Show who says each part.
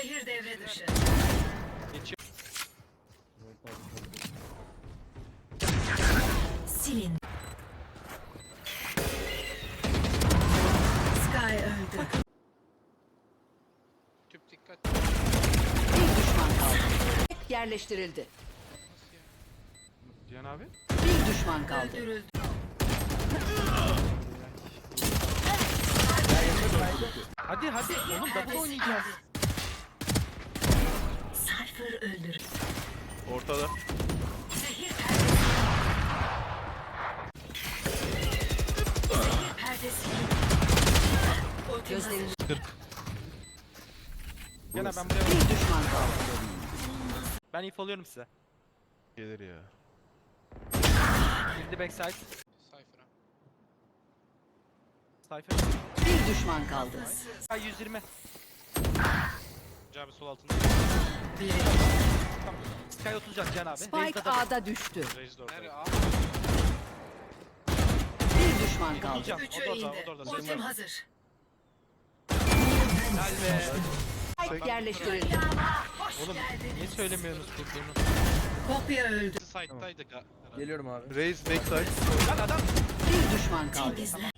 Speaker 1: Zehir devre dışı.
Speaker 2: Geçiyor.
Speaker 1: Silin. Sky öldü.
Speaker 2: Tüp dikkat.
Speaker 3: Bir düşman kaldı. Yerleştirildi.
Speaker 2: Nasıl ya?
Speaker 4: Cihan abi.
Speaker 3: Bir düşman kaldı.
Speaker 1: Öldürüldü.
Speaker 4: Hadi hadi oğlum double oynayacağız.
Speaker 1: Cypher öldür.
Speaker 5: Ortada.
Speaker 1: Zehir perdesi. Zehir perdesi. Ultim hazır.
Speaker 3: Gözlerini
Speaker 4: 40. Cihan abi ben buraya
Speaker 3: bir düşman kaldı.
Speaker 4: ben if alıyorum size.
Speaker 5: Gelir ya.
Speaker 4: Girdi backside.
Speaker 2: Cypher'a.
Speaker 4: Cypher.
Speaker 3: Bir düşman kaldı.
Speaker 4: Sky 120.
Speaker 2: Abi sol altında.
Speaker 1: Biri.
Speaker 4: Tamam. Sky 30 can Cihan abi.
Speaker 3: Spike
Speaker 4: Raze'de double.
Speaker 3: A'da düştü.
Speaker 2: Raze de orada.
Speaker 6: Nerede abi?
Speaker 3: Bir düşman kaldı.
Speaker 4: Can,
Speaker 1: Üçü
Speaker 2: o da orada,
Speaker 1: indi.
Speaker 2: o da orada.
Speaker 1: Ultim hazır.
Speaker 4: Helal be.
Speaker 3: Spike yerleştirildi.
Speaker 1: Hoş
Speaker 4: Oğlum
Speaker 1: geldin.
Speaker 4: niye söylemiyorsunuz kurduğunu?
Speaker 1: Kopya öldü.
Speaker 2: Side'daydı.
Speaker 6: Geliyorum abi.
Speaker 5: Raise backside.
Speaker 4: Lan adam.
Speaker 3: Bir düşman kaldı.
Speaker 1: Temizler.